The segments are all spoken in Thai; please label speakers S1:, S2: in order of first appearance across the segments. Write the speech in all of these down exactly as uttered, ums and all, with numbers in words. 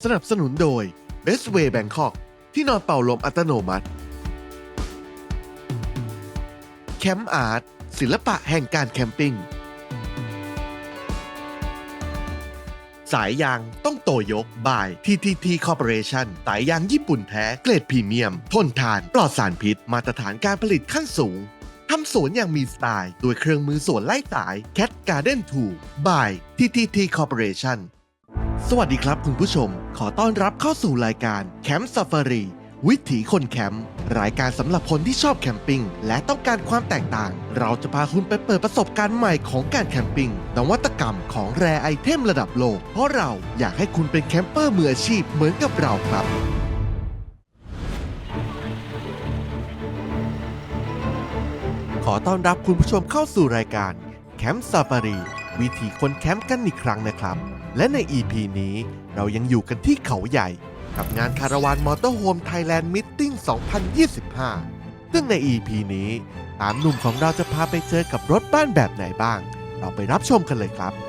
S1: สนับสนุนโดย Best Way Bangkok ที่นอนเป่าลมอัตโนมัติแคมป์อาร์ตศิลปะแห่งการแคมปิ้งสายยางต้องโตโยกบาย ที ที ที Corporation สายยางญี่ปุ่นแท้เกรดพรีเมียม ทนทาน ปลอดสารพิษ มาตรฐานการผลิตขั้นสูงทำสวนอย่างมีสไตล์ด้วยเครื่องมือสวนไล่สาย Cat Garden ทู by ที ที ที Corporation สวัสดีครับคุณผู้ชม ขอต้อนรับเข้าสู่รายการแคมป์ซาฟารีวิถีคนแคมป์รายการสำหรับคนที่ชอบแคมปิ้งและต้องการความแตกต่าง เราจะพาคุณไปเปิดประสบการณ์ใหม่ของการแคมปิ้งนวัตกรรมของแรไอเทมระดับโลกเพราะเราอยากให้คุณเป็นแคมเปอร์มืออาชีพเหมือนกับเราครับขอต้อนรับคุณผู้ชมเข้าสู่รายการแคมป์ซาฟารีวิถีคนแคมป์กันอีกครั้งนะครับและใน อี พี นี้เรายังอยู่กันที่เขาใหญ่กับงานคาราวานมอเตอร์โฮมไทยแลนด์มิทติ้ง สองพันยี่สิบห้า ซึ่งใน อี พี นี้สามหนุ่มของเราจะพาไปเจอกับรถบ้านแบบไหนบ้างเราไปรับชมกันเลยครับ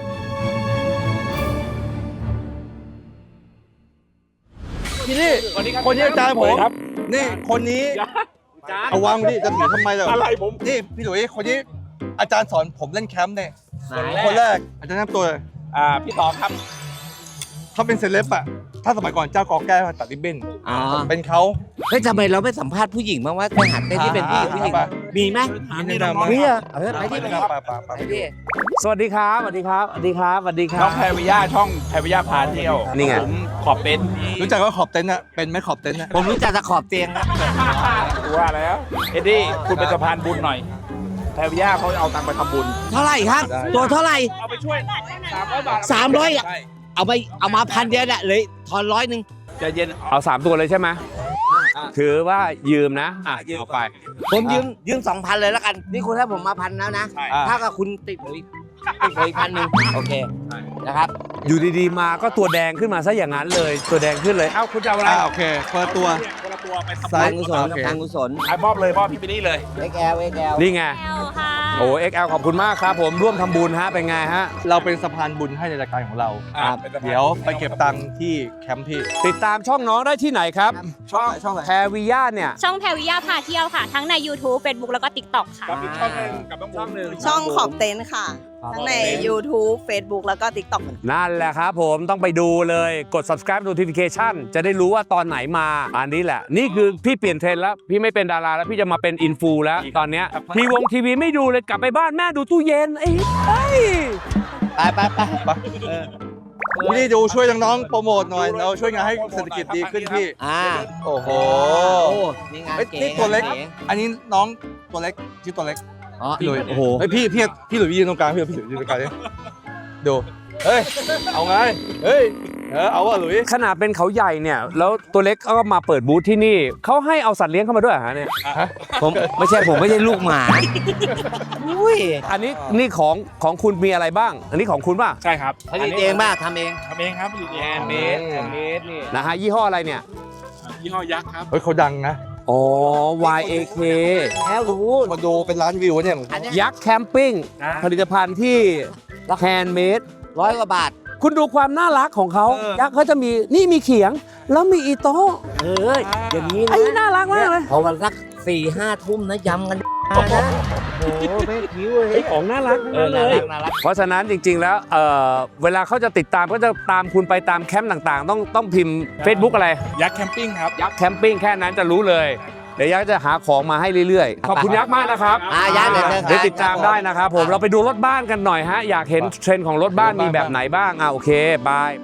S2: ที่นี่คนนี้อาจารย์ผมนี่คนนี้เอาวางดิจะถือทำไมล่ะอะไรผมนี่พี่หลุยคนนี้อาจารย์สอนผมเล่นแคมป์เนี่ยคนแรกอาจารย์แนะนำตัวอ่าพี่ต่อครับเขาเป็นเซเลบอะถ้าสมัยก่อนเจ้ากอแก้วตัดริบบิ้นเป็นเขา
S3: เฮ้ยทำไมเราไม่สัมภาษณ์ผู้หญิงบ้างว่าไปหัดเต้นที่เป็นผู้หญิงผู้หญิงมีไหมมีนะมีอ่ะเออไปที่ไปไปที่สวัสดีครับสวัสดีครับสวัสดีครับสวัสดีครับ
S4: ช่องแพรวิยาช่องแพรวิยาพาเที่ยว
S3: นี่ไง
S4: ผมขอบเป็น
S2: รู้จักว่าขอบเต็นท์อะเป็นไหมขอบเต็นท์อะ
S3: ผมรู้จักแต่ขอบเตียงครับ
S4: ว่าแล้วเอ็ดดี้คุณเป็นสะพานบุญหน่อยแพรวิยาเขาเอาตังค์ไปทำบุญ
S3: เท่าไหร่ครับตัวเท่าไหร่
S4: เอาไปช่วยสามร้อยบาท
S3: สามร้อยเอาไปเอามาพันเดียวน่ะเลยทอนร้อยหนึ่ง
S4: ใจเย็นเอาสามตัวเลยใช่ไหมถือว่ายืมนะอ่ะยืมไป
S3: ผมยืมยืมสองพันเลยแล้วกันนี่คุณให้ผมมาพันแล้วนะถ้ากับคุณติดผมอีกติดผมอีกพันหนึ่งโอเคนะครับ
S4: อยู่ดีๆมาก็ตัวแดงขึ้นมาซะอย่างนั้นเลยตัวแดงขึ้นเลยเอ้าคุณจะเอาอะไร
S2: โอเคเปิดตัว
S4: คนละตัวไปทำ
S3: ทางกุศลทางกุศล
S4: มอบเลยมอบพี่ไปนี่เลย
S3: เอ็กซ์ แอล เอ็กซ์ แอล
S4: นี่ไงโอ้ เอ็กซ์ แอล ขอบคุณมากครับผมร่วมทำบุญฮะเป็นไงฮะ
S2: เราเป็นสะพานบุญให้ในรายการของเราเดี๋ยวไปเก็บตังค์ที่แคมป์พี่
S4: ติดตามช่องน้องได้ที่ไหนครับ
S2: ช่องช่องอะไร
S4: แพรวิยาเนี่ย
S5: ช่องแพรวิยาพาเที่ยวค่ะทั้งใน YouTube Facebook แล้วก็ TikTok ค่ะ
S4: กับอีกช่องนึงกับช่องนึง
S6: ช่องขอบเต็นท์ค่ะทั้งใน YouTube Facebook แล้วก็ TikTok
S4: นั่นแหละครับผมต้องไปดูเลยกด subscribe notification จะได้รู้ว่าตอนไหนมาอันนี้แหละนี่คือพี่เปลี่ยนเทรนด์แล้วพี่ไม่เป็นดาราแล้วพี่จะมาเป็นอินฟูแล้วตอนเนี้ยทีวงทีวีไม่ดูเลยกลับไปบ้านแม่ดูตู้เย็นไอ้
S3: ไปไปไป
S2: พี่นี่ดูช่วยน้องๆโปรโมทหน่อยเราช่วยงานให้เศรษฐกิจดีขึ้นพี่
S3: อ่า
S2: โอ้โห
S3: นี่งานเก๋
S2: นี่ตัวเล็กอันนี้น้องตัวเล็กชื่อตัวเล็กพี่หลุยโอ้โหพี่พี่พี่หลุยยืนตรงกลางพี่พี่หลุยยืนตรงกลางดิดูเฮ้ยเอาไงเฮ้ยเออเอาว่ะหลุย
S4: ขนาดเป็นเขาใหญ่เนี่ยแล้วตัวเล็กก็มาเปิดบูธที่นี่เขาให้เอาสัตว์เลี้ยงเข้ามาด้วยฮะเนี่ย
S3: ผมไม่ใช่ผมไม่ใช่ลูกหมาอุ้ย
S4: อันนี้นี่ของของคุณมีอะไรบ้างอันนี้ของคุณป่ะ
S7: ใช่ครับ
S3: ผลิตเองป่ะทำเอง
S7: ทำเองครับผลิตเอง
S4: แฮนด์เมดแฮนด์เมดนี่นะฮะยี่ห้ออะไรเนี่ย
S7: ยี่ห้อยักษ์ครับ
S2: เฮ้ยเขาดังนะ
S4: อ๋อ วาย เอ เค
S3: แล้วรู้
S2: มาดูเป็นร้านวิวเนี่ย
S4: ยักษ์แคมปิ้งผลิตภัณฑ์ที่แฮนด์เมด
S3: ร้อยกว่าบาท
S4: คุณดูความน่ารักของเขายักษ์เขาจะมีนี่มีเขียงแล้วมีอีโต้
S3: เอออย่างนี้นะ
S4: ไอ้น่ารักมากเลย
S3: พอวันสักสี่ห้าทุ่มนะยำกันนะโอ้แม่คิ้วเลย
S4: ของน่ารักเลยเพราะฉะนั้นจริงๆแล้วเอ่อเวลาเขาจะติดตามก็จะตามคุณไปตามแคมป์ต่างๆต้องต้องพิมพ์ Facebook อะไร
S7: ยักษ์แคมปิ้งครับ
S4: ยักษ์แคมปิ้งแค่นั้นจะรู้เลยเดี๋ยวยักษ์จะหาของมาให้เรื่อยๆขอบคุณยักษ์มากนะครับ
S3: อ่ายักษ์เ
S4: ดี๋ยวติดตามได้นะครับผมเราไปดูรถบ้านกันหน่อยฮะอยากเห็นเทรนด์ของรถบ้านมีแบบไหนบ้างอ่ะโอเคบาย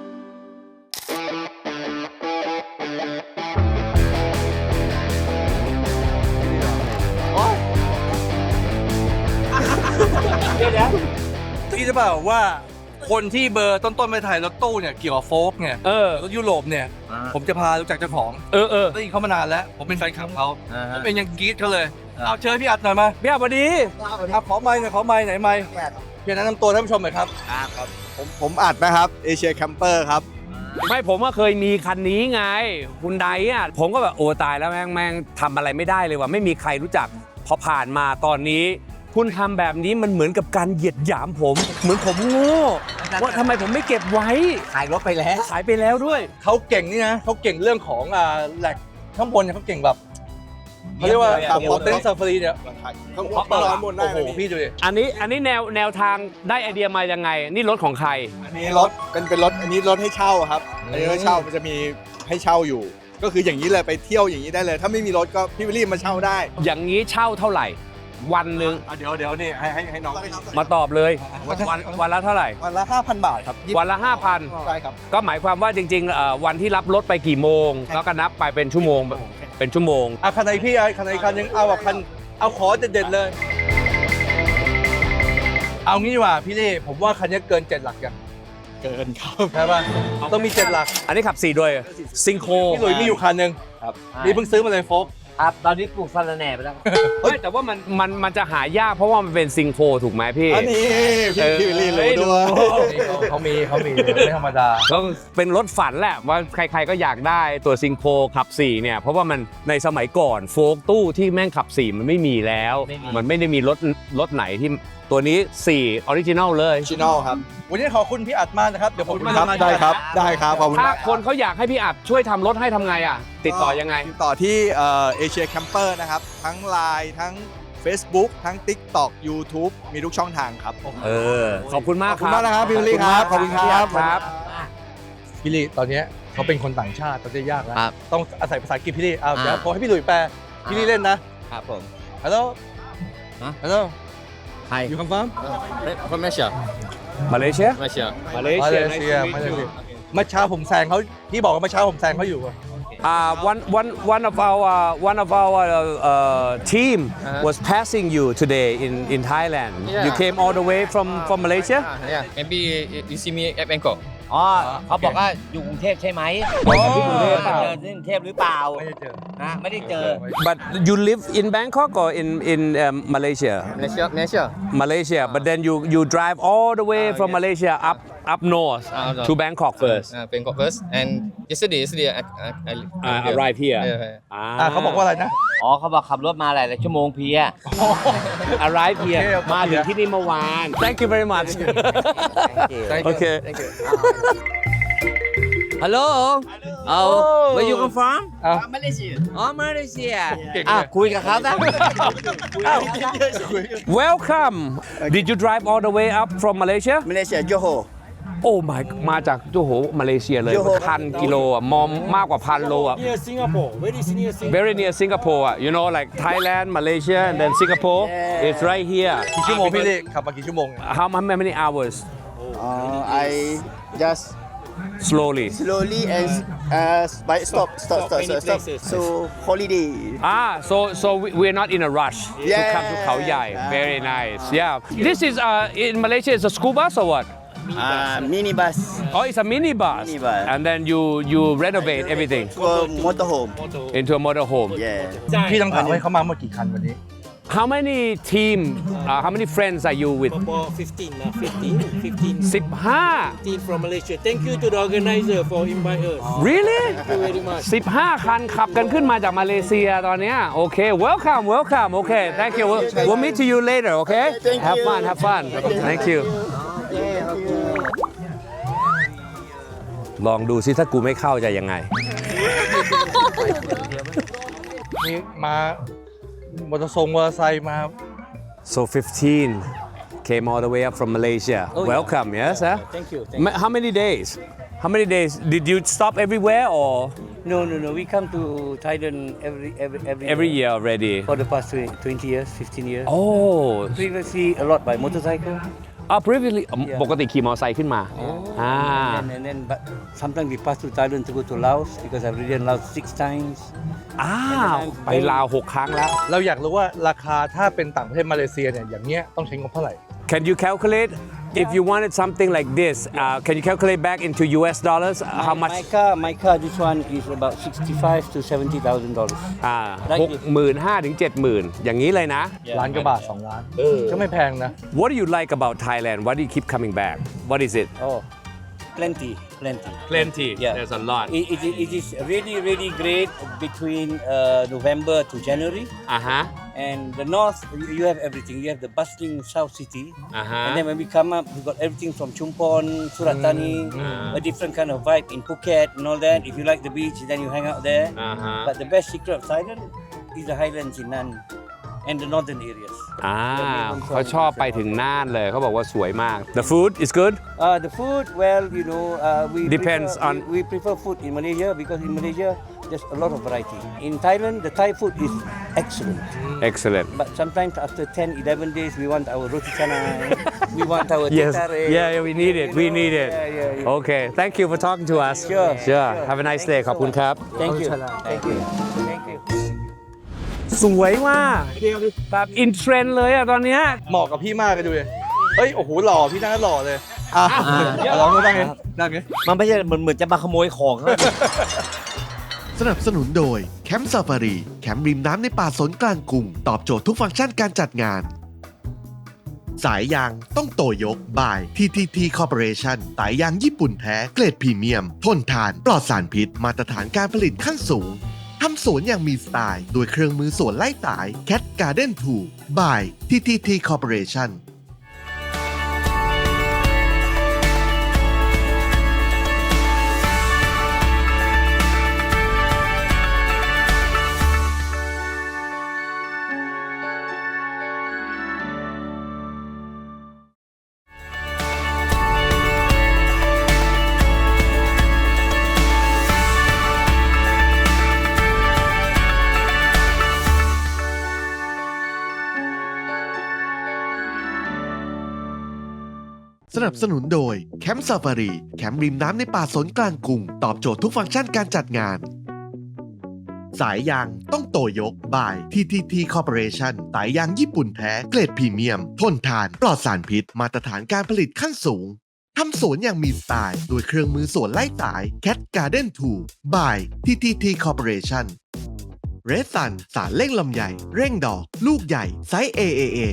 S2: พี่จะบอกว่าคนที่เบอร์ต้นๆไปถ่ายรถตู้เนี่ยเกี่ยวกับโฟล์กเนี่ย
S4: เออ
S2: รถยุโรปเนี่ยผมจะพารู้จักเจ้าของ
S4: เออเออ
S2: ได้ยินเขามานานแล้วผมเป็นแฟนคลับเขาผมเป็นยังกรี๊ดเขาเลยเอาเชิญพี่อัดหน่อยมา
S4: พี่อัดสวัสดี
S2: เอาขอไมค์หน่อยขอไมค์ไหนไมค์เพียงแนะนำตัวท่านผู้ชมหน่อยครับ
S8: ครับผมผมอัดนะครับเอเชียแคมเปอร์ครับ
S4: ไม่ผมก็เคยมีคันนี้ไงคุณไดอ่ะผมก็แบบโอ้ตายแล้วแม่งแม่งทำอะไรไม่ได้เลยว่ะไม่มีใครรู้จักพอผ่านมาตอนนี้คุณทำแบบนี้มันเหมือนกับการเหยียดหยามผม เหมือนผมโง่ว่าทำไมผมไม่เก็บไว้
S3: ขายรถไปแล้ว
S4: ขายไปแล้วด้วย
S2: เขาเก่งนี่นะเขาเก่งเรื่องของอ่าแหลกข้างบนเนี่ยเขาเก่งแบบเขาเรียกว่า
S8: ครับ
S2: โอ้เต็นท์ซาฟารีเนี่ย
S8: ต้องขอเปิดร้อนหมดได้
S2: โอ้โห
S8: เลย
S2: พี่ดูดิ
S4: อันนี้อันนี้แนวแนวทางได้ไอเดียมายังไง นี่รถของใคร
S8: อันนี้รถเป็นเป็นรถอันนี้รถให้เช่าครับ อันนี้รถเช่ามันจะมีให้เช่าอยู่ ก็คืออย่างนี้เลยไปเที่ยวอย่างนี้ได้เลย ถ้าไม่มีรถก็พี่วิลลี่มาเช่าได้
S4: อย่างนี้เช่าเท่าไหร่ วันหนึ่ง
S2: อ่ะเดี๋ยวเดี๋ยวนี่ให้ให้ให้น้อง
S4: มาตอบเลยวันวันละเท่าไหร่
S8: วันละห้าพันบาทครับ
S4: วันละห้าพัน
S8: ใช่ครับ
S4: ก็หมายความว่าจริงๆเอ่อวันที่รับรถไปกี่โมง แล้วก็นับไปเป็นชั่วโมงเป็นชั่วโมง
S2: อ่ะคันไหนพี่อ่ะคันไหนคันยังเอาแบบคันเอาขอเด็ดๆเลย เอางี้ดีกว่าพี่เล่ผมว่าคันนี้เกินเจ็ดหลักยัง
S8: เกินครับ
S2: ใช่ป่ะต้องมีเจ็ดหลัก
S4: อันนี้ขับสี่โดยซิงโค
S2: พี่หลุยมีอยู่คันหนึ่ง
S8: ครับ
S2: นี่เพิ่งซื้อมาเลยโฟก
S3: ครับ ตอนนี้ปลูกสะระแหน่ไปแล้ว
S4: เฮ้ยแต่ว่ามันมันมันจะหายากเพราะว่ามันเป็นซิงโคถูกไหมพี่
S8: อันนี้พี่
S4: เออ
S8: พี่วิลลี่รู้
S4: เฮ้ย
S8: ด้วย
S2: เขามีเขามีไม่ธรรมดา
S4: ก็เป็นรถฝันแหละว่าใครๆก็อยากได้ตัวซิงโคขับสี่เนี่ยเพราะว่ามันในสมัยก่อนโฟล์กตู้ที่แม่งขับสี่มันไม่มีแล้ว
S3: ไม่มี
S4: มันไม่ได้มีรถรถไหนที่ตัวนี้สี่ออริจินัลเลย
S8: ชิโน่ครับ
S2: วันนี้ขอบคุณพี่อัดมากนะครับ เดี๋ยวผม
S8: ครับ
S2: มา
S8: ได้ครับ ได้ครับ ขอบคุณ
S4: ถ้าม
S8: าก
S4: คนเขาอยากให้พี่อัดช่วยทำรถให้ทำไงอ่ะ ติดต่อยังไง
S8: ติดต่อที่เอเชียแคมเปอร์นะครับ ทั้ง ไลน์ ทั้ง Facebook ทั้ง TikTok YouTube มีทุกช่องทางครับ
S4: เออ ขอบคุณมาก
S8: ขอบคุณมากนะครับพี่วิลลี่ครับขอบคุณครับ
S4: ครับ
S2: พี่ลี่ตอนนี้เขาเป็นคนต่างชาติตอนนี้ยากแล้ว
S3: ครับ
S2: ต้องอาศัยภาษาอังกฤษพี่ลี่เอา
S3: อ่า
S2: เดี๋ยวผมให้พี่หลุยแปลพี่ลี่เล่นนะครับ
S3: ผม
S2: ฮัลโหล
S3: ฮะ
S2: ฮัลโหล
S3: ใคร
S2: อยู่คำฟัง
S7: from Malaysia
S4: มาเลเซีย
S7: Malaysia
S4: มาเล
S2: มา
S4: เซี
S2: เลย เซียมาเลยเซียเมื่อเช้าผมแซงเขาพี่บอกว่าเมื่อเช้าผมแซงเขาอยู่อะ
S4: Uh, one, one, one of our one of our uh, uh, team
S7: Uh-huh.
S4: was passing you today in, in Thailand.
S7: Yeah.
S4: You came all the way from, from Malaysia?
S7: Ah, yeah maybe you see me at Bangkok
S3: อ๋อเขาบอกว่าอยู่กรุงเทพใช่ไหม
S4: อ๋อที่กรุงเทพเปล่า
S3: เจอที่กรุงเทพหรือเปล่า
S2: ไม่ได้เจอ
S3: นะไม่ได้เจอ
S4: But you live in Bangkok or in in um, Malaysia?
S7: Malaysia Malaysia
S4: Malaysia. But then you you drive all the way
S7: Ah,
S4: from
S7: yes.
S4: Malaysia up up north
S7: Ah, up north.
S4: to Bangkok first.
S7: uh, Bangkok first and yesterday yesterday I, I, I
S4: Uh, arrive here.
S7: yeah, yeah.
S2: อ่าเขาบอกว่าอะไรนะ
S3: อ๋อเขาบอกขับรถมาหลายๆชั่วโมงเพลีย
S4: arrive here
S2: โอเค
S4: มาถึงที่นี่เมื่อวาน Thank you very much.
S7: Thank you.
S4: Okay.
S7: Thank you.
S3: Hello oh where you come from
S2: อ่า
S3: อ๋อมาเลเซีย
S2: เก่ง
S3: อ่ะ
S2: เลย
S3: คุยกับเขาซะ
S4: Welcome. Did you drive all the way up from Malaysia?
S8: Malaysia Johor
S4: โอ้ my มาจากโจโหมาเลเซียเลย
S8: โจโห
S4: พันกิโลอ่ะมอมมากกว่าพันโลอ่ะ
S9: Near Singapore, very near Singapore.
S4: very near Singapore อ่ะ you know like Thailand Malaysia and then Singapore it's right here
S2: กี่ชั่วโมงพี่ลี่ขับมากี่ชั่วโมงเนี่ย
S4: how many hours
S8: uh, I just
S4: slowly
S8: slowly and uh, by stop stop stop
S9: many
S8: stop, stop.
S9: places.
S8: so holiday
S4: ah so so we- we're not in a rush to
S8: Yeah.
S4: come to Khao Yai very nice yeah this is uh in Malaysia is a school bus or what
S8: uh, minibus
S4: oh it's a mini bus
S8: Minibus.
S4: and then you you renovate everything
S8: for motorhome
S4: into a motorhome
S8: yeah
S2: พี่ต้องถามให้เขามาเมื่อกี่คันวันนี้
S4: how many team uh, how many friends are you with
S9: About fifteen, uh, fifteen, fifteen,
S4: สิบห้า
S9: fifteen from Malaysia. Thank you to the organizer for inviting us.
S4: really
S9: Thank you very much.
S4: สิบห้าคันขับกันขึ้นมาจากมาเลเซียตอนเนี้ยโอเค welcome welcome โอเค thank you we'll, we'll meet you later okay
S8: Thank
S4: have
S8: you.
S4: fun have fun thank you ลองดูซิถ้ากูไม่เข้าจะยังไง
S2: มีมามอเตอร์ทรงมอเตอร์ไซค์มา
S4: so fifteen came all the way up from Malaysia
S9: Oh, yeah.
S4: welcome yes huh?
S9: Thank you. Thank
S4: Ma- how many days how many days did you stop everywhere or
S9: you. No, no, no. We come to Thailand every every every,
S4: every year already
S9: for the past twenty years, fifteen years.
S4: oh
S9: Previously, a lot by motorcycle.
S4: ah previously
S9: Yeah.
S4: ปกติขี่มอเตอร์ไซค์ขึ้นมาอ่า
S9: And, and then, but sometimes we pass to Thailand to go to Laos because I've ridden Laos six times.
S4: อ้าวไปลาวหกครั้งแล้ว
S2: เราอยากรู้ว่าราคาถ้าเป็นต่างประเทศมาเลเซียเนี่ยอย่างเงี้ยต้องใช้งบเท่าไหร่
S4: Can you calculate if you wanted something like this? Uh, can you calculate back into U S dollars uh, how
S9: My-
S4: much?
S9: My car, my car, this one is about sixty-five to seventy thousand dollars.
S4: อ่า
S9: Like
S4: หกหมื่นห้าถึงเจ็ดหมื่นอย่างนี้เลยนะ
S2: ล้านกว่าบาทสองล้านก็ไม่แพงนะ
S4: What do you like about Thailand? Why do you keep coming back? What is it?
S9: Oh, plenty, plenty.
S4: Plenty.
S9: Yeah.
S4: There's a lot.
S9: It, it, it is really, really great between uh, November to January,
S4: อ่าฮะ
S9: And the north, you you have everything. You have the bustling South City.
S4: อ่าฮะ
S9: And then when we come up, we got everything from Chumpon, Surat Thani,
S4: Mm.
S9: a different kind of vibe in Phuket and all that. If you like the beach, then you hang out there.
S4: อ่าฮะ
S9: But the best secret of Thailand is the highlands in Nan and the northern areas.
S4: อ่าเขาชอบไปถึงน่านเลยเขาบอกว่าสวยมาก The food is good
S9: Uh, the food, well, you know, uh, we
S4: Depends
S9: prefer,
S4: on-
S9: we, we prefer food in Malaysia because in Malaysia there's a lot of variety. In Thailand, the Thai food is excellent.
S4: excellent
S9: But sometimes after ten, eleven days, we want our roti canai, we want our
S4: yes
S9: teh tarik,
S4: yeah we need it we
S9: you know,
S4: need it
S9: Yeah, yeah, yeah.
S4: okay thank you for talking to us
S9: Sure,
S4: sure
S9: sure.
S4: have a nice
S9: Thank
S4: day
S9: you
S4: ขอบคุณครับ
S9: Thank you. Thank you. Thank you.
S4: สวยมากแบบอินเทรนด์เลยอะตอนเนี้ย
S2: เหมาะกับพี่มากเลยดูเลยเฮ้ยโอ้โหหล่อพี่นั่งหล่อเลยอ่ะเอาลองดูนั่งไงนั่งไง
S3: มันไม่ใช่เหมือนเหมือนจะมาขโมยของเขา
S1: สนับสนุนโดยแคมป์ซาฟารีแคมป์ริมน้ำในป่าสนกลางกรุง ตอบโจทย์ทุกฟังก์ชันการจัดงาน สายยางต้องโตยกบาย ที ที ที Corporation สายยางญี่ปุ่นแท้เกรดพรีเมียม ทนทาน ปลอดสารพิษ มาตรฐานการผลิตขั้นสูง ทำสวนอย่างมีสไตล์โดยเครื่องมือสวนไล่สาย Cat Garden ทู บาย ที ที ที Corporation สนับสนุนโดยแคมป์ซาฟารีแคมป์ริมน้ำในป่าสนกลางกรุง ตอบโจทย์ทุกฟังก์ชันการจัดงาน สายยางต้องโตยกบาย ที ที ที Corporation สายยางญี่ปุ่นแท้เกรดพรีเมียม ทนทาน ปลอดสารพิษ มาตรฐานการผลิตขั้นสูง ทำสวนอย่างมีสไตล์โดยเครื่องมือสวนไล่สาย Cat Garden ทู บาย ที ที ที Corporation เรดซันสารเร่งลำไยเร่งดอก ลูกใหญ่ไซส์ เอ เอ เอ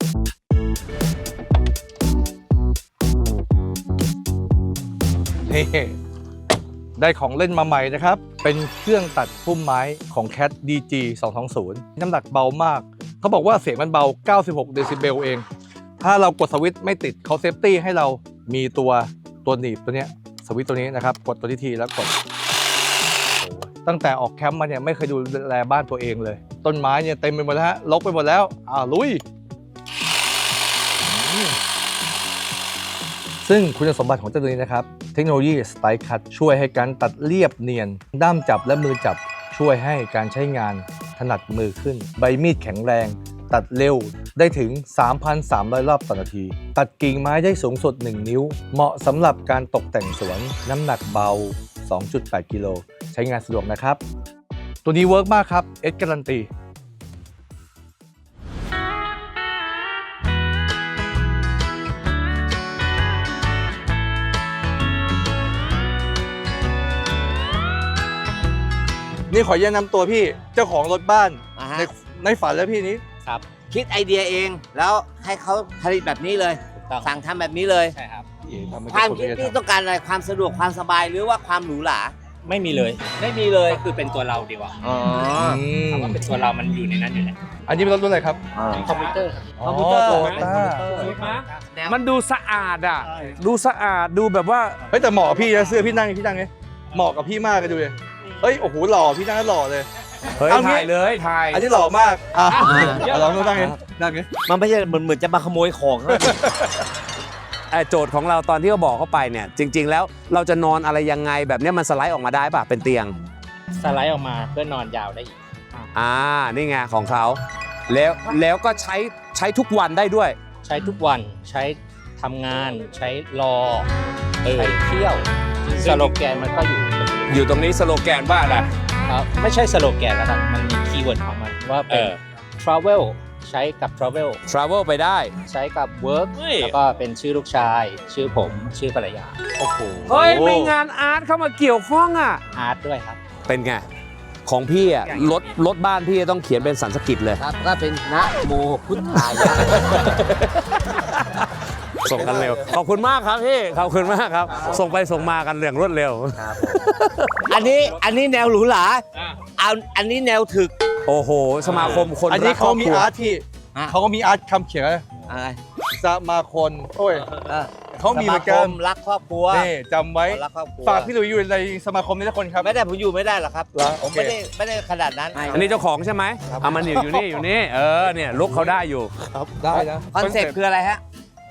S2: นี่ได้ของเล่นมาใหม่นะครับ เป็นเครื่องตัดพุ่มไม้ของ Cat ดี จี สองสองศูนย์ น้ำหนักเบามาก เขาบอกว่าเสียงมันเบา เก้าสิบหก เดซิเบลเอง ถ้าเรากดสวิตช์ไม่ติดเขาเซฟตี้ให้เรามีตัวตัวหนีบตัวเนี้ยสวิตช์ตัวนี้นะครับ กดตัวที่ทีแล้วกด ตั้งแต่ออกแคมป์มาเนี่ยไม่เคยดูแลบ้านตัวเองเลย ต้นไม้เนี่ยเต็มไปหมดแล้วฮะรกไปหมดแล้วอ่าลุย ซึ่งคุณสมบัติของเจ้าตัวนี้นะครับ เทคโนโลยี Style Cut ช่วยให้การตัดเรียบเนียน ด้ามจับและมือจับช่วยให้การใช้งานถนัดมือขึ้น ใบมีดแข็งแรง ตัดเร็วได้ถึง สามพันสามร้อย รอบต่อนาที ตัดกิ่งไม้ได้สูงสุด หนึ่ง นิ้ว เหมาะสำหรับการตกแต่งสวน น้ำหนักเบา สองจุดแปด กิโล ใช้งานสะดวกนะครับ ตัวนี้เวิร์กมากครับ เอสการันตี นี่ขอแนะนำตัวพี่เจ้าของรถบ้าน
S3: อ่าฮะ
S2: ในในฝันแล้วพี่นี้
S3: คิดไอเดียเองแล้วให้เขาผลิตแบบนี้เลย สั่งทำแบบนี้เลย
S10: ใช่ครับ
S3: ความคิดที่ต้องการอะไรความสะดวกความสบายหรือว่าความหรูหรา
S10: ไม่มีเลย
S3: ไม่มีเลย
S10: ก็คือเป็นตัวเราดีกว่า
S3: อ๋อ
S10: คำว่าเป็นตัวเรามันอยู่ในนั้นอยู่แล้ว
S2: อันนี้เป็นรถรุ่นอะไรครับ
S10: คอมพิวเตอร์ครับ
S2: คอมพิวเตอร์
S3: ค
S2: โต
S3: อมพิวเตอร์
S2: ต้า
S4: มันดูสะอาดอ่ะ ดูสะอาดดูแบบว่า
S2: เฮ้ยแต่เหมาะกับพี่นะเสื้อพี่นั่งพี่นั่งไงเหมาะกับพี่มากเลยดูเลยเฮ้ยโอ้โหหล่อพี่นั่งแล้วหล่อเลย
S4: เฮ้ย
S2: เอางี้
S4: ถ่ายเลยถ่าย
S2: อันนี้หล่อมากอ่ะเอาลองดูนั่งไงนั่งไง
S3: มันไม่ใช่เหมือนเหมือนจะมาขโมยของเขา
S4: เอ่อโจทย์ของเราตอนที่เขาบอกเข้าไปเนี่ย จริง ๆ แล้วเราจะนอนอะไรยังไงแบบเนี้ยมันสไลด์ออกมาได้ป่ะ เป็นเตียง
S10: สไลด์ออกมาเพื่อนอนยาวได้อีก
S4: อ่า นี่ไงของเขา แล้วแล้วก็ใช้ใช้ทุกวันได้ด้วย
S10: ใช้ทุกวันใช้ทำงานใช้รอใช้เที่ยวสโลแกนมันก็อยู่ตรงนี้
S4: อยู่ตรงนี้สโลแกนว่าอะไร
S10: ครับไม่ใช่สโลแกนแล้วครับมันมีคีย์เวิร์ดของมันว่าเป็น
S4: เออ
S10: travel ใช้กับ travel
S4: travel ไปได้
S10: ใช้กับ work
S4: เฮ้ย
S10: แล้วก็เป็นชื่อลูกชาย ชื่อผมชื่อภรรยา
S2: โอ้โห
S4: เฮ้ยมีงานอาร์ตเข้ามาเกี่ยวข้องอ่ะ
S10: อาร์ตด้วยครับ
S4: เป็นไง ของพี่อ่ะรถรถบ้านพี่ต้องเขียนเป็นสันสกฤตเลย
S3: ครับก็เป็นนะโมพุทธายะ
S4: ส่งกันเร็ว ขอบคุณมากครับพี่ ขอบคุณมากครับ ส่งไปส่งมากันอย่างรวดเร็ว
S3: อันนี้อันนี้แนวหรูหราเอาอันนี้แนวถึก
S4: โอ้โห สมาคมคน
S2: อันนี้
S4: รักคร
S2: เขา
S4: อบ
S2: มี
S4: ครัว
S2: อาร์ตที่เขาก็มีอาร์ตคำเขียน
S3: อะไร
S2: สมาคมโอ้ย
S3: เออ
S2: เขามีเหมือนกัน
S3: สาครักครอบครัว
S2: นี่จำไว้
S3: รักครอบครัว
S2: ฝากพี่หลุยอยู่ในสมาคมนี้ทุกคนครับ
S3: ไม่ได้ผมอยู่ไม่ได้หรอกครับ
S2: เหรอ
S3: ผม
S2: โอเค
S3: ไม่ได้ไม่ได้ขนาดนั้น
S4: อันนี้เจ้าของใช่ไหมเอามันอยู่อยู่นี่อยู่นี่ เออ เนี่ยลุกเขาได้อยู่
S2: ครับได้นะ
S3: คอนเซ็ปต์คืออะไรฮะ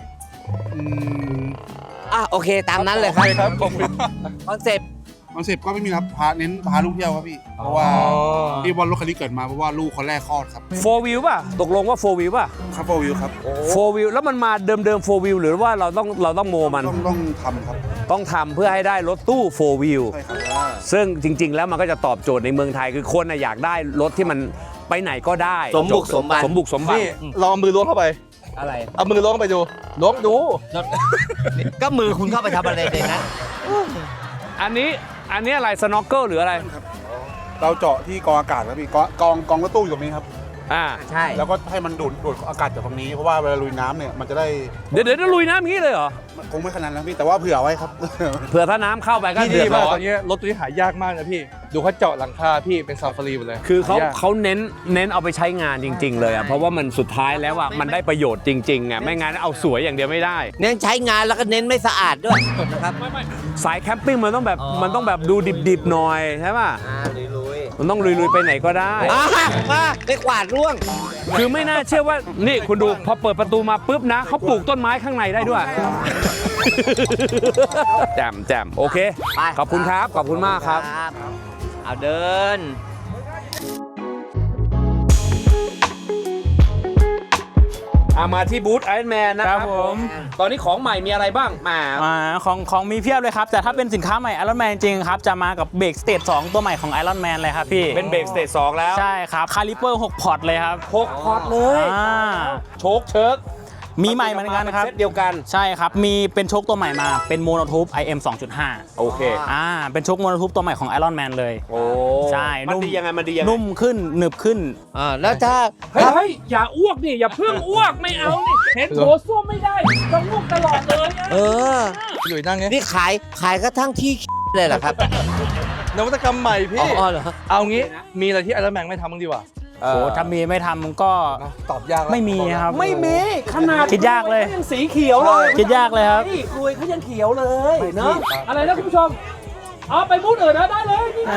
S3: อ่ะโอเคตามนั้นเลยครับ
S2: ครับผม
S3: คอนเซ็ปต์
S11: คอนเซ็ปต์ก็ไม่มีครับพาเน้นพาลูกเที่ยวครับพี่ เพราะว่าที่บอลรถคันนี้เกิดมาเพราะว่าลูกคนแรกคลอดครับ
S4: โฟร์วิวป่ะ ตกลงว่าโฟร์วิวป่ะ
S11: ครับโฟวิวครับ
S4: โฟร์วิวแล้วมันมาเดิมเดิมโฟร์วิวหรือว่าเราต้องเราต้องโมมัน
S11: ต้องต้องทำครับ
S4: ต้องทำเพื่อให้ได้รถตู้โฟร์วิว
S11: ใช่ครับ
S4: ซึ่งจริง ๆ แล้วมันก็จะตอบโจทย์ในเมืองไทยคือคนน่ะอยากได้รถที่มันไปไหนก็ได้
S3: สมบุกสมบัติ
S4: สมบุกสมบัติ
S2: นี่ลองเอามือล้วงเข้าไป
S3: อะไร
S2: เอามือล้วงเข้าไปดูล้วงดู
S3: ก็มือคุณเข้าไปทำอะไรในนั้น
S4: อันนี้อันนี้อะไรสโนว์เกิลหรืออะไร
S11: เราเจาะที่กองอากาศครับพี่กองกองกองรถตู้อยู่ตรงนี้ครับ
S4: อ่า
S3: ใช่
S11: แล้วก็ให้มันดูดดูดอากาศจากตรงนี้เพราะว่าเวลาลุยน้ำเนี่ยมันจะได้
S4: เดี๋ยวเดี๋ยวลุยน้ำอย่างนี้เลยเหรอ
S11: คงไม่ขนาดนั้นพี่แต่ว่าเผื่อไว้ครับ
S4: เผื่อถ้าน้ำเข้าไปก็
S2: ที่
S4: เดื
S2: ดี
S4: อด
S2: มาก
S4: ร้อ
S2: ตอน นนี้รถตัวนี้หายากมากนะพี่ ดูเขาเจาะหลังคาพี่เป็นซาฟารีหมดเลย
S4: คือเขา
S2: หยก
S4: เขาเน้นเน้นเอาไปใช้งานจริง ๆ เลยอ่ะเพราะว่ามันสุดท้ายแล้วอ่ะมันได้ประโยชน์จริงๆอ่ะไม่งั้นเอาสวยอย่างเดียวไม่ได้
S3: เน้นใช้งานแล้วก็เน้นไม่สะอาดด้วยนะครับ
S4: สายแคมปิ้งมันต้องแบบมันต้องแบบดูดิบๆหน่อยใช่ป่ะ
S3: อ่าลุย
S4: มันต้องลุยๆไปไหนก็ได้
S3: ๆอ่ามาไปกวาดร่วง
S4: คือไม่น่าเชื่อว่านี่คุณดูพอเปิดประตูมาปุ๊บนะเขาปลูกต้นไม้ข้างในได้ด้วยแจ่มแจ่มโอเค
S3: ไป
S4: ขอบคุณครับขอบคุณมากครับ
S3: เอาเดิน
S4: อามาที่บูธไอรอนแมนนะครับ
S10: ครับผม
S4: ตอนนี้ของใหม่มีอะไรบ้างมา
S10: อ่าของของมีเพียบเลยครับ แต่ถ้าเป็นสินค้าใหม่ Iron Man จริงครับ จะมากับเบรกสเตจสองตัวใหม่ของ Iron Man เลยครับพี่
S4: เป็นเบรกสเตจสองแล้ว
S10: ใช่ครับคาลิเปอร์หกพอร์ตเลยครับ
S4: หกพอร์ตเลย
S10: อ่า
S4: โชคเชิร์ก
S10: มีใหม่เหมือนกันครับ
S4: เซตเดียวกัน
S10: ใช่ครับ มีเป็นโชคตัวใหม่มาเป็นโมโนทูบ ไอ เอ็ม สองจุดห้า
S4: โอเค
S10: อ่าเป็นโชคโมโนทูบตัวใหม่ของ Iron Man เลย
S4: โอ้
S10: ใช่
S4: มัน
S10: นุ่ม
S4: ดียังไงมันดียังไง
S10: นุ่มขึ้นหนึบขึ้น
S3: อ่าแล้วถ้า
S4: เฮ้ยเฮ้ยอย่าอ้วกนี่อย่าเพิ่งอ้วกไม่เอานี่เห็นโถส้วมไม่ได้ต้องอ้วกตลอดเลยอะ
S3: เออ
S2: พี่หลุยนั่งไง
S3: นี่ขายขายกระทั่งที่เลยเหรอครับ
S2: นวัตกรรมใหม่พี่
S3: อ๋อเหรอ
S2: เอางี้มีอะไรที่ไอรอนแมนไม่ทำบ้างดีกว่า
S10: โอ้ถ้ามีไม่ทำก็
S2: ตอบยากแล้ว
S10: ไม่มีครับ
S4: ไม่มีขนาด
S10: คิดยากเลย
S4: ขยังสีเขียวเลย
S10: คิดยากเลยครับ
S4: นี่กลวยเขายังเขียวเลยเนาะอะไรนะคุณผู้ชมเอาไปมูดอื่นนะได้เลยนี่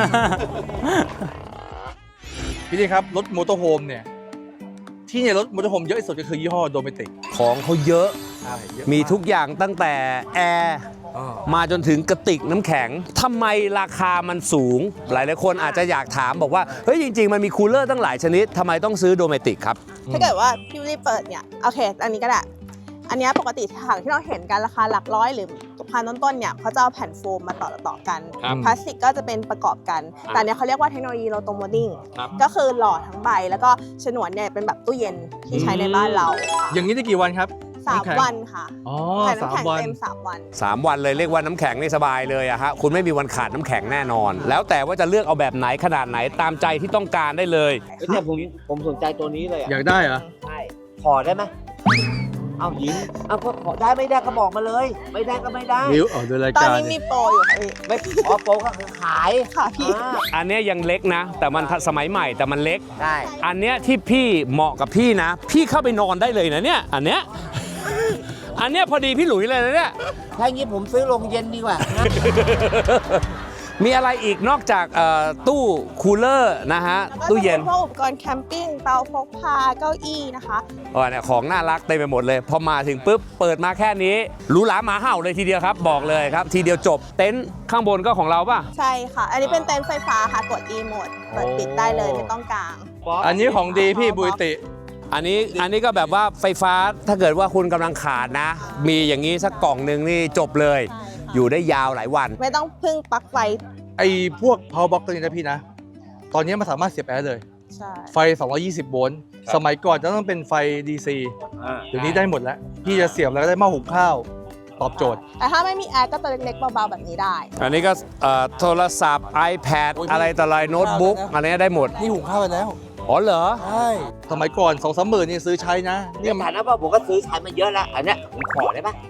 S2: พี่ดีครับรถมอเตอร์โฮมเนี่ยที่เนี่ยรถมอเตอร์โฮมเยอะที่สุดก็คือยี่ห้อโดเมติก
S4: ของเขาเยอะ
S2: ใช่เยอะ
S4: มีทุกอย่างตั้งแต่แอร์มาจนถึงกระติกน้ำแข็งทำไมราคามันสูง หลายๆคนอาจจะอยากถามบอกว่าเฮ้ยจริง ๆ มันมีคูลเลอร์ตั้งหลายชนิดทำไมต้องซื้อโดเมติกครับ
S6: ถ้าเกิดว่าพี่วิลลี่เปิดเนี่ยโอเค อันนี้ก็ได้ อันเนี้ยปกติถังที่เราเห็นกันราคาหลักร้อยหรือพันต้นๆเนี่ยเขาจะเอาแผ่นโฟมมาต่อต่อๆกัน
S4: ครับ
S6: พลาสติกก็จะเป็นประกอบกัน แต่อันเนี้ยเขาเรียกว่าเทคโนโลยีโรโตโมดิ้ง
S4: ครับ
S6: ก็คือหล่อทั้งใบ แล้วก็ฉนวนเนี่ยเป็นแบบตู้เย็นที่ใช้ในบ้านเราค่ะ
S2: อย่างนี้ได้กี่วันครับ
S6: สาม
S2: น้ำแข็ง
S6: วันค่ะ
S2: อ๋อ
S6: แผ่น
S2: สา
S6: น้ำ
S2: ม
S6: แข็ง
S2: วัน
S6: เต็มสามวัน
S4: สามวันเลยเรียกว่าน้ำแข็งนี่สบายเลยอะฮะคุณไม่มีวันขาดน้ำแข็งแน่นอน แล้วแต่ว่าจะเลือกเอาแบบไหนขนาดไหนตามใจที่ต้องการได้เลย
S3: แต่ผมผมสนใจตัวนี้เลยอ่ะ
S2: อยากได้เหรอ
S3: ใช่ขอได้ไหมเอาหญิงเอาก็ขอได้ไม่ได้ก็บอกมาเลย ไม่ได้ก็ไม่ได้
S2: นิ้วอ๋อดูราย
S6: ตอน
S2: การ
S6: นี้มีโปรอยู่ค่ะพี่
S3: ไม่ขอโปรก็คือขาย
S6: ค่ะพี่
S3: อ่า
S4: อันเนี้ยยังเล็กนะ แต่มันทันสมัยใหม่แต่มันเล็ก
S3: ได้
S4: อันเนี้ยที่พี่เหมาะกับพี่นะ พี่เข้าไปนอนได้เลยนะเนี่ยอันเนี้ยอันเนี้ยพอดีพี่หลุยเลยนะเนี่ย
S3: ถ้าอย่างนี้ผมซื้อโรงเย็นดีกว่านะ
S4: มีอะไรอีกนอกจากเอ่อตู้คูลเลอร์นะฮะ
S6: แล้วก็
S4: ตู้
S6: จะ
S4: เย็
S6: เป็น นพวกอุปกรณ์แคมปิ้งเตาพกพาเก้าอี้นะคะ
S4: อ๋อเนี่ยของน่ารักเต็มไปหมดเลย พอมาถึงปุ๊บ เปิดมาแค่นี้หรูหราหมาเห่าเลยทีเดียวครับ บอกเลยครับ ทีเดียวจบเต็นท์ข้างบนก็ของเราป่ะ
S6: ใช่ค่ะ อันนี้เป็นเต็นท์ไฟฟ้าค่ะกด e โหมดเปิดปิดได้เลยไม่ต้องกาง
S2: อันนี้ของดีพี่บุยติ
S4: อันนี้อันนี้ก็แบบว่าไฟฟ้าถ้าเกิดว่าคุณกำลังขาดนะ มีอย่างนี้สักกล่องหนึ่งนี่จบเลย
S6: ใช่ค่ะ
S4: อยู่ได้ยาวหลายวัน
S6: ไม่ต้องพึ่งปลั๊กไฟ
S2: ไอ้พวก power box ตัวนี้นะพี่นะ ตอนนี้มันสามารถเสียบแอร์เลย
S6: ใช่
S2: ไฟ สองร้อยยี่สิบ โวลต์ สมัยก่อนจะต้องเป็นไฟ ดี ซี เดี๋ยวนี้ได้หมดแล้ว พี่จะเสียบแล้วก็ได้หม้อหุงข้าว ตอบโจทย์
S6: แต่ถ้าไม่มีแอร์ก็ตัวเล็กๆเบาๆแบบนี้ได้
S4: อันนี้ก็เอ่อโทรศัพท์ iPad
S2: โอ้ย
S4: อะไรต่ออะไรโน้ตบุ๊ก
S2: ข้าวนะ
S4: อันนี้ได้หมด
S2: นี่หุงข้าวไปแล้ว
S4: อ๋อเหรอ
S2: ใช่ สมัยก่อนสองสามหมื่นนี่ซื้อใช้นะ
S3: ใน
S2: เนี่ย
S3: ฐานะว่าผมก็ซื้อใช้มาเยอะแล้ว อันเนี้ยผมขอได้ปะ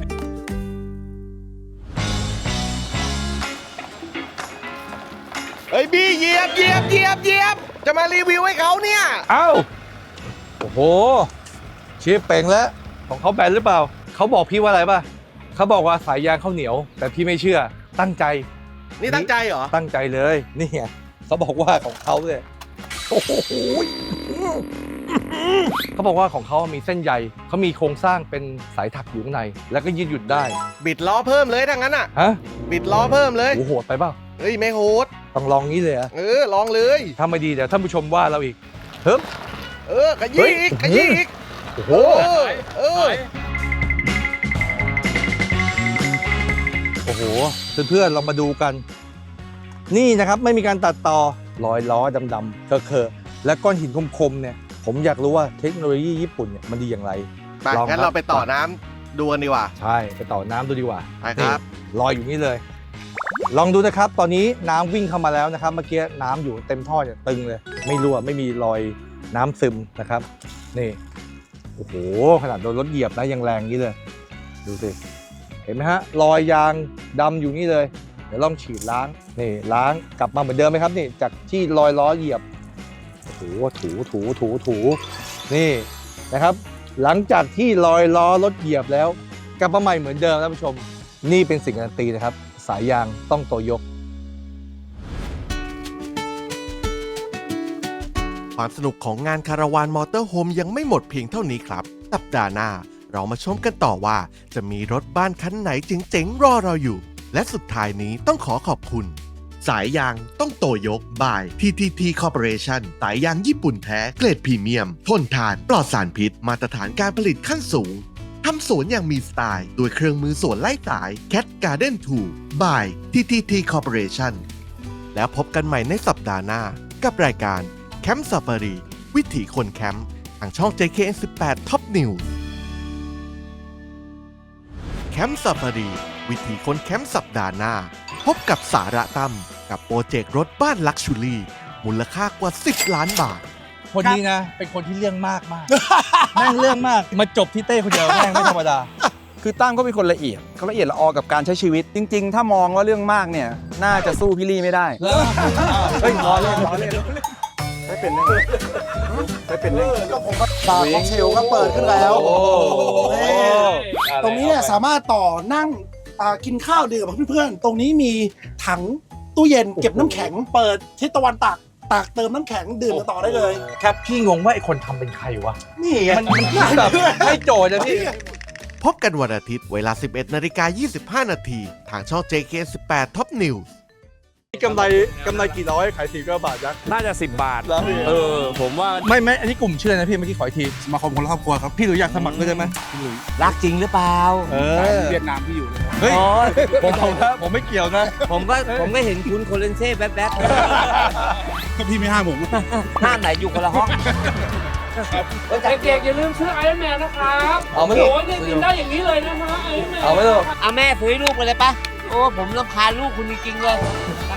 S2: พ
S1: เฮ้ยบี้เหยียบเหยียบเหยียบเหยียบจะมารีวิวให้เขาเนี่ย
S2: เอ้า โอ้โหชีพเป่งแล้ว ของเขาแบนหรือเปล่า เขาบอกพี่ว่าอะไรป่ะ เขาบอกว่าสายยางข้าวเหนียว แต่พี่ไม่เชื่อ ตั้งใจ
S1: นี่ตั้งใจเหรอ
S2: ตั้งใจเลย นี่ไงเขาบอกว่าของเขาเนี่ยโอ้โหเขาบอกว่าของเขามีเส้นใยเขามีโครงสร้างเป็นสายถักอยู่ข้างใน แล้วก็ยืดหยุ่นได้
S1: บิดล้อเพิ่มเลยถ้างั้นอ่ะ
S2: ฮะ
S1: บิดล้อเพิ่มเลย
S2: โอ้โหโหดไปเปล่า
S1: เฮ้ยไม่โหด
S2: ต้องลองงี้เลยเหรอะ
S1: เออลองเลย
S2: ถ้าไม่ดีเดี๋ยวท่านผู้ชมว่าเราอีกเฮ้ย
S1: เออขยี้อีกขยี้อีก
S2: โอ้โห
S1: เออเออ
S2: โอ้โหเพื่อนๆเรามาดูกัน นี่นะครับไม่มีการตัดต่อรอยล้อดำๆเคอะๆและก้อนหินคมๆเนี่ยผมอยากรู้ว่าเทคโนโลยีญี่ปุ่นเนี่ยมันดีอย่างไร
S1: ไปงั้นเราไปต่อน้ำดูกันดีกว่า
S2: ใช่ไปต่อน้ำดูดีกว่า
S1: ไปครับ
S2: นี่ลอยอยู่นี่เลย ลองดูนะครับ ตอนนี้น้ำวิ่งเข้ามาแล้วนะครับ เมื่อกี้น้ำอยู่เต็มท่อเนี่ยตึงเลย ไม่รั่วไม่มีรอยน้ำซึมนะครับ นี่โอ้โหขนาดโดนรถเหยียบนะยังแรงนี้เลย ดูสิเห็นไหมฮะรอยยางดำอยู่นี่เลย เดี๋ยวลองฉีดล้างนี่ล้างกลับมาเหมือนเดิมไหมครับนี่จากที่รอยล้อเหยียบโอ้โหถูถูถูถูนี่นะครับ หลังจากที่รอยล้อรถเหยียบแล้วกลับมาใหม่เหมือนเดิมท่านผู้ชมนี่เป็นสิ่งการันตีนะครับสายยางต้องโตโยก
S1: ความสนุกของงานคาราวานมอเตอร์โฮมยังไม่หมดเพียงเท่านี้ครับสัปดาห์หน้าเรามาชมกันต่อว่าจะมีรถบ้านคันไหนเจ๋งๆรอเราอยู่ และสุดท้ายนี้ต้องขอขอบคุณ สายยางต้องโตโยกบาย ที ที ที Corporation สายยางญี่ปุ่นแท้เกรดพรีเมียม ทนทานปลอดสารพิษมาตรฐานการผลิตขั้นสูงทำสวนอย่างมีสไตล์โดยเครื่องมือสวนไล่สาย Cat Garden ทู by ที ที ที Corporation แล้วพบกันใหม่ในสัปดาห์หน้ากับรายการแคมป์ซาฟารีวิถีคนแคมป์ทางช่อง เจ เค เอ็น สิบแปด Top News แคมป์ซาฟารีวิถีคนแคมป์สัปดาห์หน้า พบกับสาระตั้มกับโปรเจกต์รถบ้านลักชูรี่มูลค่ากว่า สิบ ล้านบาท
S2: คนนี้นะเป็นคนที่เรื่องมากมาก แม่งเรื่องมากมาจบที่เต้คนเดียวแม่งไม่ธรรมดา
S12: คือตั้มก็เป็นคนละเอียดเขาละเอียดละออกับการใช้ชีวิต จริง ๆ ถ้ามองว่าเรื่องมากเนี่ยน่าจะสู้พี่ลี่ไม่ได้เฮ้ยล้อเล่นล้อเล่นไม่เป็นได้ไงไม่เป็นได้ไง
S11: บาร์ค็อกเทลก็เปิดขึ้นแล้วตรงนี้เนี่ยสามารถต่อนั่งอ่ากินข้าวดื่มกับเพื่อนๆ ตรงนี้มีถังตู้เย็นเก็บน้ำแข็งเปิดทิศตะวันตกตากเติมน้ำแข็งดื่มกันต่อได้เลย
S2: ครับพี่งงว่าไอ้คนทำเป็นใครวะ
S11: นี่ไง
S2: มันมันแบบให้โจทย์นะพี่
S1: พบกันวันอาทิตย์เวลา สิบเอ็ดนาฬิกายี่สิบห้า นาทีทางช่อง เจ เค สิบแปด Top News
S2: กำไรกำไรกี่ร้อยขายสี่ก็บาทยักษ์
S4: น่าจะสิบบาท
S2: แล้วพี่
S4: เออ ผมว่า
S2: ไม่ไม่อันนี้กลุ่มชื่ออะไรนะพี่เมื่อกี้ขออีกที
S11: สมาคมคนละครอบครัวครับ
S2: พี่หลุยอยากสมัครด้วยได้ไหมพี่หลุย
S3: รักจริงหรือเปล่า
S2: เออ
S11: เวียดนามที่อยู่เลยครับ
S2: เฮ้ย
S3: โอ้ย
S2: ผมผมนะผมไม่เกี่ยวนะ
S3: ผมก็ผมก็เห็นคุณโคเลนเซ่แบ๊บ
S11: ก็พี่ไม่ห้ามผม
S3: ๆห้ามไหนอยู่คนละห้อง
S4: เด็กๆอย่าลืมซื้อไอรอนแมนนะครับ
S2: เอาไม่ถูก
S4: โอ้ยเนี่ยกินได้อย่างนี้เลยนะฮะไอรอนแมน
S2: เอาไม่ถูก
S3: เอาแม่ซื้อให้ลูกไปเลยปะโอ้ผมรำคาญลูกคุณจริงๆเลย